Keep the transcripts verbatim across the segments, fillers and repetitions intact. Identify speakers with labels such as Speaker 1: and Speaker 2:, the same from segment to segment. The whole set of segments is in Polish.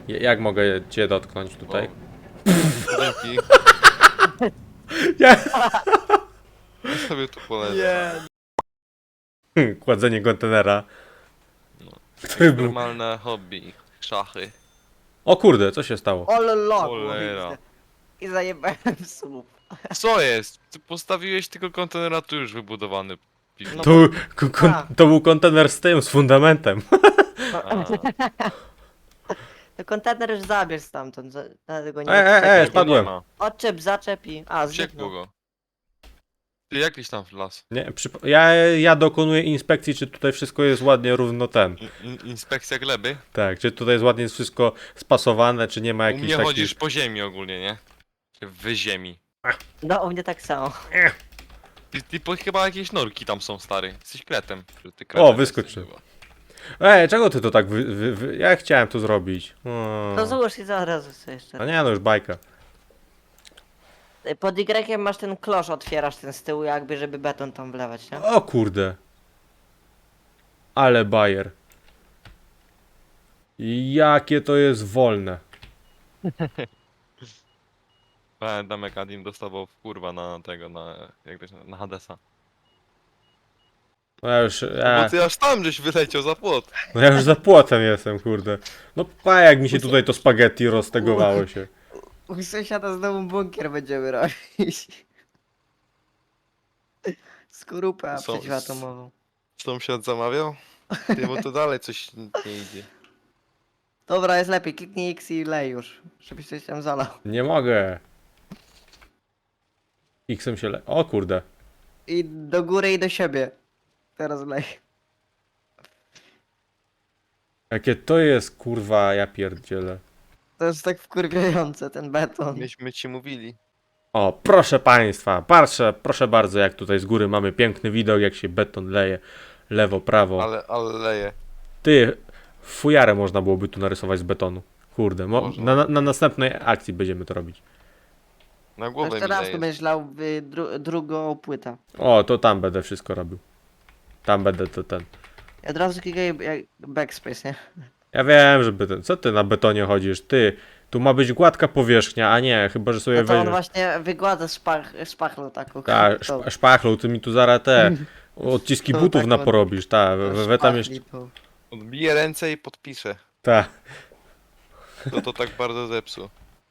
Speaker 1: J- Jak mogę cię dotknąć tutaj?
Speaker 2: Wow. Dzięki.
Speaker 1: Ja...
Speaker 2: Ja sobie tu polecę.
Speaker 1: Nie. Kładzenie kontenera.
Speaker 2: No.
Speaker 1: Który był...
Speaker 2: Ekstremalne hobby. Szachy.
Speaker 1: O kurde, co się stało?
Speaker 3: Ole log,
Speaker 2: Cholera.
Speaker 3: i zajebałem w słup.
Speaker 2: Co jest? Ty postawiłeś tylko kontenera tu już wybudowany. Piwnicy.
Speaker 3: No
Speaker 1: To, ko- kon-
Speaker 3: A.
Speaker 1: to był kontener z tym, z fundamentem.
Speaker 2: A,
Speaker 3: To kontener już zabierz stamtąd, za- dlatego nie
Speaker 1: E, e, e,
Speaker 3: odczepiaj.
Speaker 1: spadłem.
Speaker 2: nie ma.
Speaker 3: Odczep, zaczep i... A,
Speaker 2: Ciekło
Speaker 3: zniknął.
Speaker 2: go. Ty jakiś tam w las.
Speaker 1: Nie, przyp- ja, ja dokonuję inspekcji, czy tutaj wszystko jest ładnie równo ten.
Speaker 2: In, in, inspekcja gleby.
Speaker 1: Tak, czy tutaj jest ładnie wszystko spasowane, czy nie ma
Speaker 2: U
Speaker 1: jakichś
Speaker 2: mnie
Speaker 1: takich...
Speaker 2: chodzisz po ziemi ogólnie, nie? W ziemi.
Speaker 3: No, u mnie tak samo.
Speaker 2: Ty, ty po, chyba jakieś norki tam są, stary. Jesteś kretem. Że ty kretem
Speaker 1: O,
Speaker 2: jesteś
Speaker 1: wyskoczył.
Speaker 2: chyba.
Speaker 1: Ej, czego ty to tak wy, wy, wy... Ja chciałem to zrobić. O.
Speaker 3: To złóż i zaraz sobie jeszcze.
Speaker 1: A nie, no już bajka.
Speaker 3: Pod Y masz ten klosz, otwierasz ten z tyłu jakby, żeby beton tam wlewać, nie?
Speaker 1: O kurde. Ale bajer. Jakie to jest wolne.
Speaker 2: Pamiętam jak Adim dostawał w kurwa na tego, na... jak to się nazywa, na Hadesa.
Speaker 1: No ja już,
Speaker 2: No
Speaker 1: ja,
Speaker 2: bo ty aż tam żeś wyleciał za płot.
Speaker 1: no ja już za płotem jestem, kurde. No pa, jak mi się tutaj to spaghetti roztegowało się.
Speaker 3: U sąsiada znowu bunkier będziemy robić. Skorupę
Speaker 2: Są-
Speaker 3: przeciwatomową.
Speaker 2: Sąsiad zamawiał? Ty, bo to dalej coś nie idzie.
Speaker 3: Dobra, jest lepiej, kliknij X i lej już, żebyś coś tam zalał.
Speaker 1: Nie mogę. X-em się le... O kurde.
Speaker 3: I do góry i do siebie. Teraz lej.
Speaker 1: Jakie to jest kurwa, ja pierdzielę.
Speaker 3: To jest tak wkurwiające, ten beton.
Speaker 2: Myśmy ci mówili.
Speaker 1: O, proszę państwa, proszę, proszę bardzo, jak tutaj z góry mamy piękny widok, jak się beton leje. Lewo, prawo.
Speaker 2: Ale, ale leje.
Speaker 1: Ty, fujarę można byłoby tu narysować z betonu. Kurde, mo-
Speaker 2: Można.
Speaker 1: na, na, na następnej akcji będziemy to robić.
Speaker 2: Na głowę
Speaker 3: Jeszcze
Speaker 2: mi
Speaker 3: raz tu
Speaker 2: leje.
Speaker 3: będziesz lał y, dru drugą płytę.
Speaker 1: O, to tam będę wszystko robił. Tam będę to ten.
Speaker 3: Ja od razu klikaj jak backspace, nie?
Speaker 1: Ja wiem, żeby ten. Co ty na betonie chodzisz? Ty, tu ma być gładka powierzchnia, a nie, chyba że sobie
Speaker 3: No to on
Speaker 1: weźmiesz.
Speaker 3: właśnie wygładza szpach, szpachlą taką.
Speaker 1: Ta,
Speaker 3: tą-
Speaker 1: szp- szpachlą, ty mi tu zaraz te odciski
Speaker 3: To
Speaker 1: butów
Speaker 3: taką-
Speaker 1: naporobisz, ta, we,
Speaker 3: tą
Speaker 1: we, we tam jeszcze.
Speaker 3: szpachli tą.
Speaker 2: Odbiję ręce i podpiszę.
Speaker 1: Ta,
Speaker 2: To to tak bardzo zepsuł.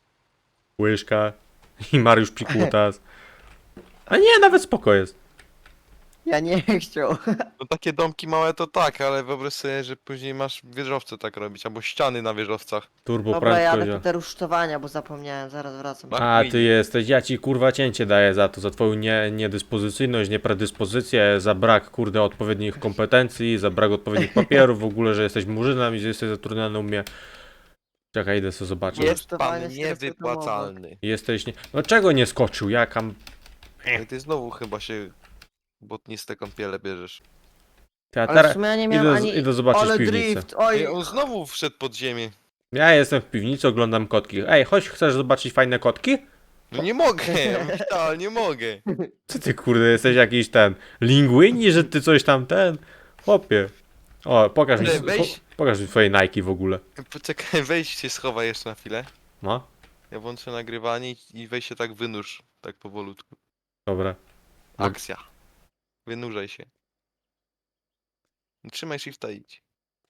Speaker 1: łyżka i Mariusz Pikutas. A nie, nawet spoko jest.
Speaker 3: Ja nie chciał.
Speaker 2: No takie domki małe to tak, ale wyobraź sobie, że później masz wieżowce tak robić, albo ściany na wieżowcach.
Speaker 1: Turbo
Speaker 3: Dobra, jadę
Speaker 1: prędkość.
Speaker 3: po te rusztowania, bo zapomniałem, zaraz wracam.
Speaker 2: Ma-
Speaker 1: A ty jesteś, ja ci kurwa cięcie daję za to, za twoją nie, niedyspozycyjność, niepredyspozycję, za brak kurde odpowiednich kompetencji, za brak odpowiednich papierów w ogóle, że jesteś murzynem i że jesteś zatrudniony u mnie. Czekaj, idę sobie zobaczyć.
Speaker 3: Jest.
Speaker 2: Jest pan
Speaker 3: Rusztowanie
Speaker 2: niewypłacalny.
Speaker 1: Jesteś nie... No czego nie skoczył? Jakam...
Speaker 2: No i ty znowu chyba się błotniste kąpiele bierzesz.
Speaker 1: Ja
Speaker 3: Ale w
Speaker 1: teraz
Speaker 3: sumie ja nie miałem
Speaker 1: idę,
Speaker 3: ani...
Speaker 1: idę zobaczyć
Speaker 3: Ale
Speaker 1: piwnicę.
Speaker 3: drift, oj!
Speaker 2: Ej, on znowu wszedł pod ziemię.
Speaker 1: Ja jestem w piwnicy, oglądam kotki. Ej, chodź, chcesz zobaczyć fajne kotki?
Speaker 2: No nie mogę, ja nie mogę.
Speaker 1: Co ty kurde, jesteś jakiś ten... Linguini, że ty coś tam ten... Chłopie. O, pokaż mi,
Speaker 2: Ale
Speaker 1: po,
Speaker 2: weź-
Speaker 1: pokaż mi twoje Nike w ogóle.
Speaker 2: Poczekaj, wejdź się schowaj jeszcze na chwilę.
Speaker 1: No,
Speaker 2: Ja włączę nagrywanie i- i weź się tak wynurz, tak powolutku.
Speaker 1: dobra. No.
Speaker 2: Akcja. Wynurzaj się. Trzymaj shifta i idź.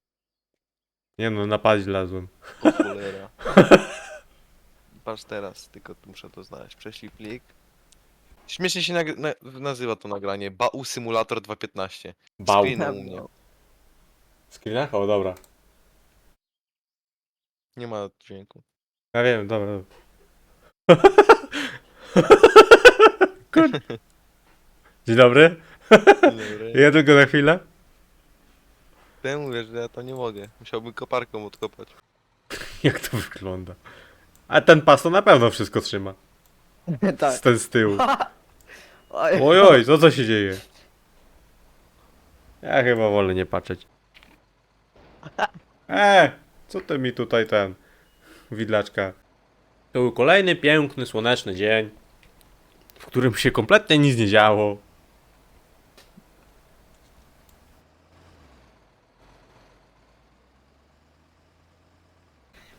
Speaker 1: Nie no, napaść lazłem.
Speaker 2: O cholera. Patrz teraz, tylko tu muszę to znaleźć. Prześlij plik. Śmiesznie się nagry- na nazywa to nagranie. Bau Simulator dwa piętnaście.
Speaker 1: Bał.
Speaker 2: Screen u mnie.
Speaker 1: Screenach? O, dobra.
Speaker 2: Nie ma dźwięku.
Speaker 1: Ja wiem, dobra. dobra. Kur... Dzień dobry.
Speaker 2: Dobry.
Speaker 1: Ja tylko na chwilę.
Speaker 2: Ja mówię, że ja to nie mogę. Musiałbym koparką odkopać.
Speaker 1: Jak to wygląda? A ten pas to na pewno wszystko trzyma.
Speaker 3: tak.
Speaker 1: Z ten z tyłu.
Speaker 3: Oj.
Speaker 1: Oj, oj, co co się dzieje? Ja chyba wolę nie patrzeć. E, co ty mi tutaj ten... Widlaczka. To był kolejny piękny, słoneczny dzień, w którym się kompletnie nic nie działo.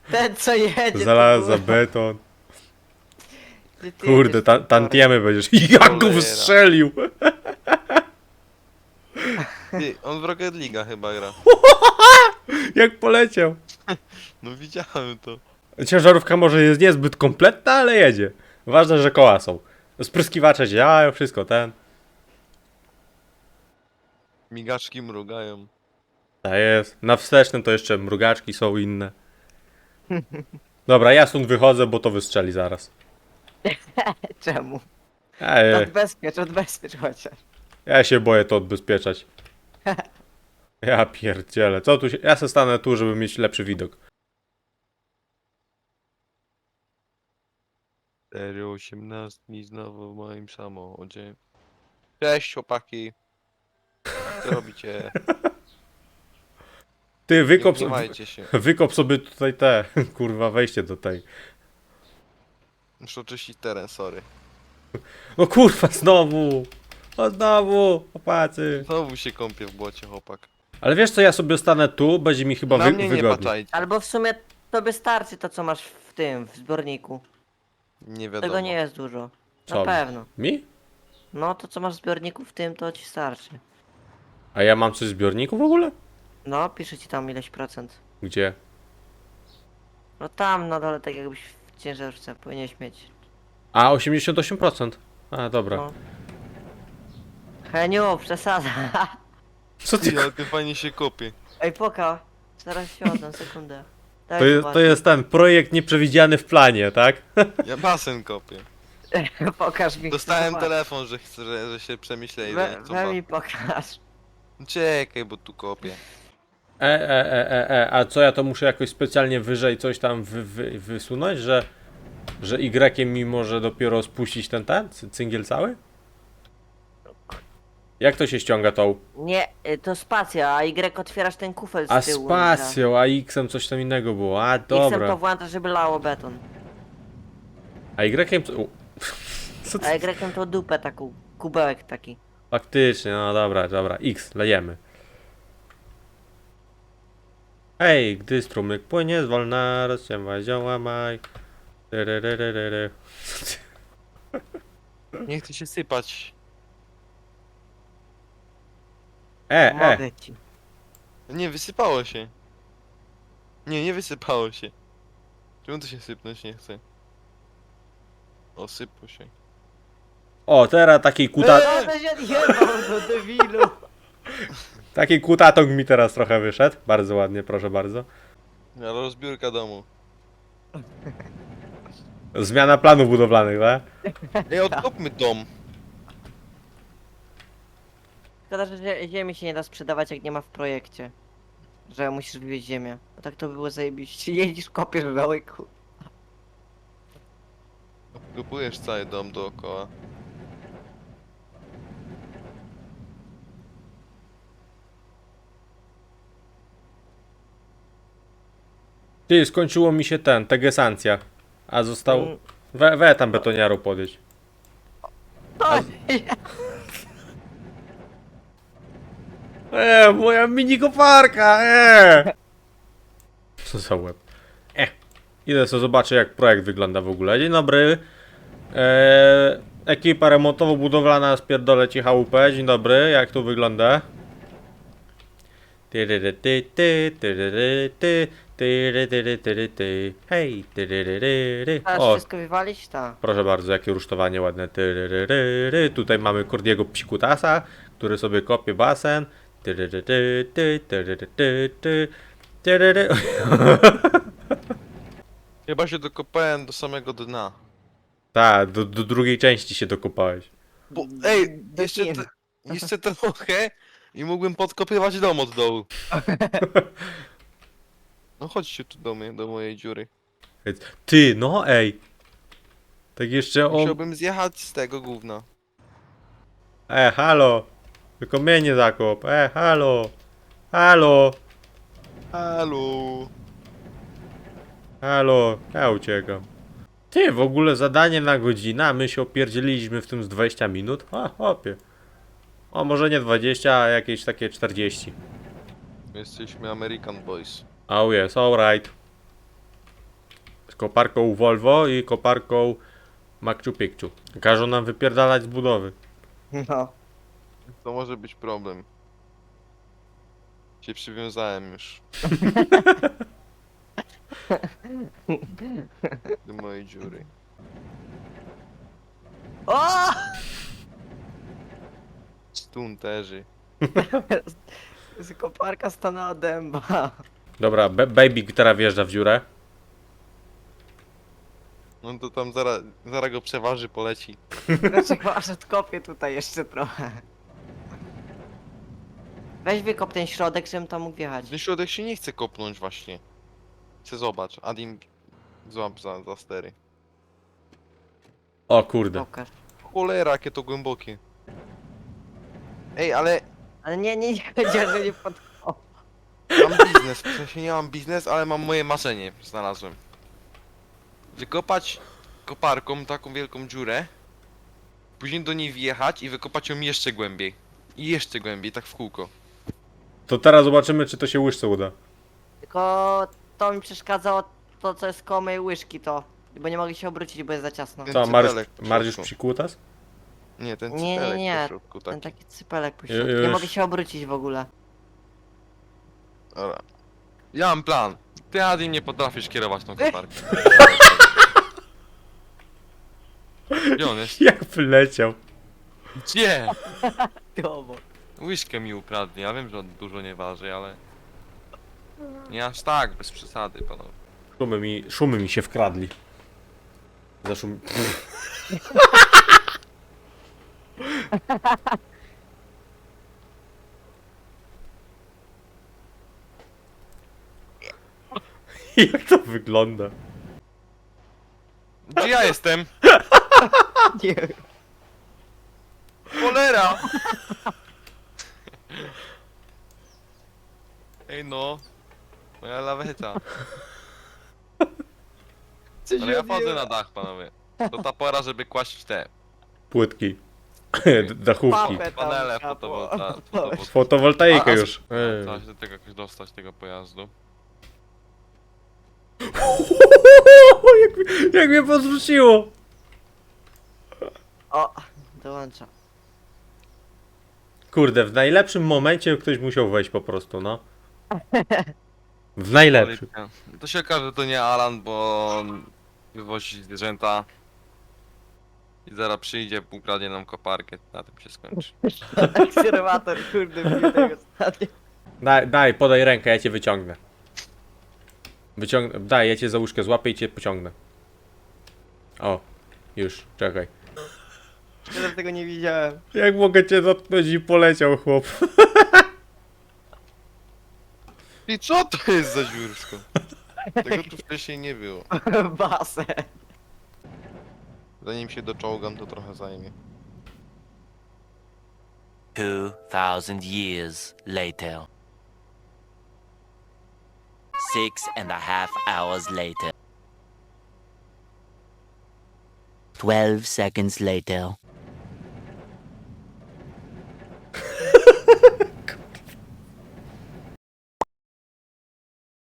Speaker 3: Ten co jedzie. to
Speaker 1: Znalazł za
Speaker 3: kurwa,
Speaker 1: beton.
Speaker 3: ty- ty
Speaker 1: Kurde,
Speaker 3: jedziesz
Speaker 1: ta,
Speaker 3: tym torem.
Speaker 1: tantiemy będziesz. Jak go
Speaker 2: Cholera.
Speaker 1: wystrzelił!
Speaker 2: Ty, on w Rocket League'a chyba gra.
Speaker 1: Jak poleciał.
Speaker 2: No widziałem to.
Speaker 1: Ciężarówka może jest niezbyt kompletna, ale jedzie. Ważne, że koła są. Spryskiwacze działają, wszystko ten.
Speaker 2: Migaczki mrugają.
Speaker 1: Tak jest. Na wstecznym to jeszcze mrugaczki są inne. Dobra, ja stąd wychodzę, bo to wystrzeli zaraz.
Speaker 3: Czemu?
Speaker 1: Ej,
Speaker 3: Odbezpiecz, odbezpiecz chociaż.
Speaker 1: ja się boję to odbezpieczać. Ja pierdzielę. Co tu się... Ja se stanę tu, żeby mieć lepszy widok.
Speaker 2: cztery osiemnastki znowu w moim samochodzie. Cześć chłopaki. Co robicie?
Speaker 1: Ty,
Speaker 2: Nie
Speaker 1: wykop, so...
Speaker 2: gniewajcie się.
Speaker 1: wykop sobie tutaj te, kurwa, wejście do tej.
Speaker 2: Muszę oczyścić teren, sorry.
Speaker 1: No kurwa, znowu! O znowu, chłopacy.
Speaker 2: Znowu się kąpię w błocie, chłopak.
Speaker 1: Ale wiesz co, ja sobie stanę tu, będzie mi chyba
Speaker 2: Na
Speaker 1: wy...
Speaker 2: mnie nie
Speaker 1: wygodniej.
Speaker 2: patrzajcie.
Speaker 3: Albo w sumie tobie starczy to co masz w tym, w zbiorniku.
Speaker 2: Nie wiadomo.
Speaker 3: Tego nie jest dużo. Na
Speaker 1: Co?
Speaker 3: pewno.
Speaker 1: Mi?
Speaker 3: No to co masz w zbiorniku w tym, to ci starczy.
Speaker 1: A ja mam coś w zbiorniku w ogóle?
Speaker 3: No, pisze ci tam ileś procent.
Speaker 1: Gdzie?
Speaker 3: No tam na dole tak jakbyś w ciężarówce powinieneś mieć.
Speaker 1: A, osiemdziesiąt osiem procent. A, dobra.
Speaker 3: No. Heniu, przesada.
Speaker 1: Co ty...
Speaker 2: Ty, ale ty fajnie się kopie.
Speaker 3: Ej, poka. Zaraz się oddam, sekundę. Daj
Speaker 1: To jest, to
Speaker 3: zobaczyć.
Speaker 1: jest ten projekt nieprzewidziany w planie, tak?
Speaker 2: Ja basen kopię.
Speaker 3: Pokaż mi. chcę
Speaker 2: Dostałem
Speaker 3: zobaczyć.
Speaker 2: telefon, że, chcę, że, że się przemyśleli.
Speaker 3: We,
Speaker 2: że chcą
Speaker 3: we
Speaker 2: ba-
Speaker 3: mi pokaż.
Speaker 2: Czekaj, bo tu kopię.
Speaker 1: E, e, e, e, e, a co ja to muszę jakoś specjalnie wyżej coś tam wy, wy, wysunąć, że że Y mi może dopiero spuścić ten ten cy- cyngiel cały? Jak to się ściąga tą?
Speaker 3: Nie, y, to spacja, a Y otwierasz ten kufel z
Speaker 1: A
Speaker 3: tyłu.
Speaker 1: spacją, a X-em coś tam innego było. A
Speaker 3: X-em to
Speaker 1: dobra.
Speaker 3: włącza, żeby lało beton.
Speaker 1: A Y co? U. Co
Speaker 3: A
Speaker 1: ty?
Speaker 3: Y to dupę taką, kubełek taki.
Speaker 1: Faktycznie, no dobra, dobra. X, lejemy. Hej, gdy strumyk płynie zwolna, rozciągaj zioła maj. Tyryryryryry. Co ty?
Speaker 2: Nie chcę się sypać.
Speaker 1: E, e.
Speaker 3: Mogę ci.
Speaker 2: Nie, wysypało się. Nie, nie wysypało się. Czemu to się sypnąć nie chce? O, sypło się.
Speaker 1: O, teraz taki kuta...
Speaker 3: No to się odjebał do debilu.
Speaker 1: Taki kutatong mi teraz trochę wyszedł. Bardzo ładnie, proszę bardzo.
Speaker 2: Ale rozbiórka domu.
Speaker 1: Zmiana planów budowlanych, tak?
Speaker 2: Ej, odkopmy dom.
Speaker 3: Szkoda, że zie- ziemi się nie da sprzedawać jak nie ma w projekcie. Że musisz wywieźć ziemię. Bo tak to by było zajebiście. Jedzisz, kopiesz w dołku.
Speaker 2: Kupujesz cały dom dookoła.
Speaker 1: Ty, skończyło mi się ten, tegesancja. A został...
Speaker 3: Mm.
Speaker 1: We, we tam betoniarą podejść.
Speaker 3: Oj,
Speaker 1: Eee, moja mini koparka, eee! Co za łeb. E. Idę sobie zobaczę jak projekt wygląda w ogóle. Dzień dobry. Eee, ekipa remontowo-budowlana spierdolę ci chałupę. Dzień dobry, jak tu wygląda? Tyryry, ty, ty, tyryry, ty, tyry, tyry, tyry, ty. Hej, tyryryry.
Speaker 3: Trzeba
Speaker 1: O,
Speaker 3: wszystko wywalić? Tak.
Speaker 1: proszę bardzo, jakie rusztowanie ładne. Tyryryry. Tutaj mamy Kordiego Psikutasa, który sobie kopie basen. Tyryryry, ty, tyryry, ty, ty, tyryry.
Speaker 2: Chyba się dokopałem do samego dna.
Speaker 1: Tak, do, do drugiej części się dokopałeś.
Speaker 2: Bo, ej,
Speaker 3: Do
Speaker 2: jeszcze,
Speaker 3: kin.
Speaker 2: te, jeszcze trochę i mógłbym podkopywać dom od dołu. No chodźcie tu do mnie, do mojej dziury.
Speaker 1: Ty, no ej. Tak jeszcze o...
Speaker 2: Musiałbym zjechać z tego gówna.
Speaker 1: E, halo. Tylko mnie nie zakop. E, halo. Halo.
Speaker 2: Halo.
Speaker 1: Halo. Ja uciekam. Ty, w ogóle zadanie na godzinę, a my się opierdzieliliśmy w tym z dwadzieścia minut? A, hopie. O, może nie dwadzieścia, a jakieś takie czterdzieści.
Speaker 2: Jesteśmy American Boys.
Speaker 1: Oh yes, alright. Koparką Volvo i koparką Machu Picchu. Każą nam wypierdalać z budowy.
Speaker 3: No.
Speaker 2: To może być problem. Się przywiązałem już. Do mojej dziury.
Speaker 3: O!
Speaker 2: Stunterzy.
Speaker 3: Z koparka stanęła dęba.
Speaker 1: Dobra, ba- baby teraz wjeżdża w dziurę.
Speaker 2: No to tam zaraz, zaraz go przeważy, poleci.
Speaker 3: Dlaczego aż odkopię tutaj jeszcze trochę? Weź wykop ten środek, żebym tam mógł wjechać.
Speaker 2: Ten środek się nie chce kopnąć właśnie. Chcę zobacz, Adim złap za, za stery.
Speaker 1: O kurde.
Speaker 3: Pokaż.
Speaker 2: Cholera, jakie to głębokie. Ej, ale
Speaker 3: Ale nie, nie, nie powiedział, że nie pod... O,
Speaker 2: mam biznes, w sensie nie mam biznes, ale mam moje marzenie, znalazłem. Wykopać koparką taką wielką dziurę, później do niej wjechać i wykopać ją jeszcze głębiej. I jeszcze głębiej, tak w kółko.
Speaker 1: To teraz zobaczymy, czy to się łyżce uda.
Speaker 3: tylko to mi przeszkadzało to, co jest koło mojej łyżki, to. Bo nie mogę się obrócić, bo jest za ciasno.
Speaker 2: Ten
Speaker 1: Co, Mariusz,
Speaker 2: cypelek po
Speaker 1: Mariusz
Speaker 2: środku.
Speaker 1: przikutas?
Speaker 2: Nie, ten
Speaker 3: Nie, nie,
Speaker 2: cypelek
Speaker 3: nie.
Speaker 2: po środku,
Speaker 3: Ten
Speaker 2: taki.
Speaker 3: taki cypelek po
Speaker 1: Ju-
Speaker 3: środku. Nie
Speaker 1: już.
Speaker 3: mogę się obrócić w ogóle.
Speaker 2: Dobra. Ja mam plan. Ty, Adim, nie potrafisz kierować tą koparką. Gdzie on jest?
Speaker 1: Jak wleciał.
Speaker 2: Gdzie?
Speaker 3: Dobo.
Speaker 2: Łyżkę mi ukradnie, ja wiem, że on dużo nie waży, ale... Nie aż tak, bez przesady, panowie.
Speaker 1: Szumy mi, szumy mi się wkradli. Zaszum... Jak to wygląda?
Speaker 2: Gdzie ja jestem?
Speaker 3: Nie.
Speaker 2: Cholera! Ej no. Moja laweta.
Speaker 3: Coś
Speaker 2: Ale ja
Speaker 3: odjęło.
Speaker 2: wchodzę na dach, panowie. To ta pora, żeby kłaść te
Speaker 1: Płytki. D- Dachówki.
Speaker 3: Papę tam
Speaker 2: panele
Speaker 3: trzeba było.
Speaker 2: fotowolta fotowolta
Speaker 1: Fotowoltaikę
Speaker 2: A, a-
Speaker 1: już. Ej.
Speaker 2: Trzeba się do tego jakoś dostać, tego pojazdu.
Speaker 1: jak, mi- jak mnie podrzuciło.
Speaker 3: O, dołącza.
Speaker 1: Kurde, w najlepszym momencie ktoś musiał wejść po prostu, no. W najlepszym.
Speaker 2: Policja. To się okaże, że to nie Alan, bo on wywozi zwierzęta. I zaraz przyjdzie, ukradnie nam koparkę, na tym się skończy.
Speaker 3: Akserwator, kurde, mnie tego ostatnio.
Speaker 1: Daj, daj, podaj rękę, ja cię wyciągnę. Wyciągnę, daj, ja cię za łóżkę złapię i cię pociągnę. O, już, czekaj.
Speaker 3: Tyle tego nie widziałem.
Speaker 1: Jak mogę cię dotknąć i poleciał chłop.
Speaker 2: I co to jest za dziursko? Tego tu wcześniej nie było.
Speaker 3: Basen.
Speaker 2: Zanim się doczołgam, to trochę zajmie.
Speaker 4: Two thousand years later. Six and a half hours later. Twelve seconds later.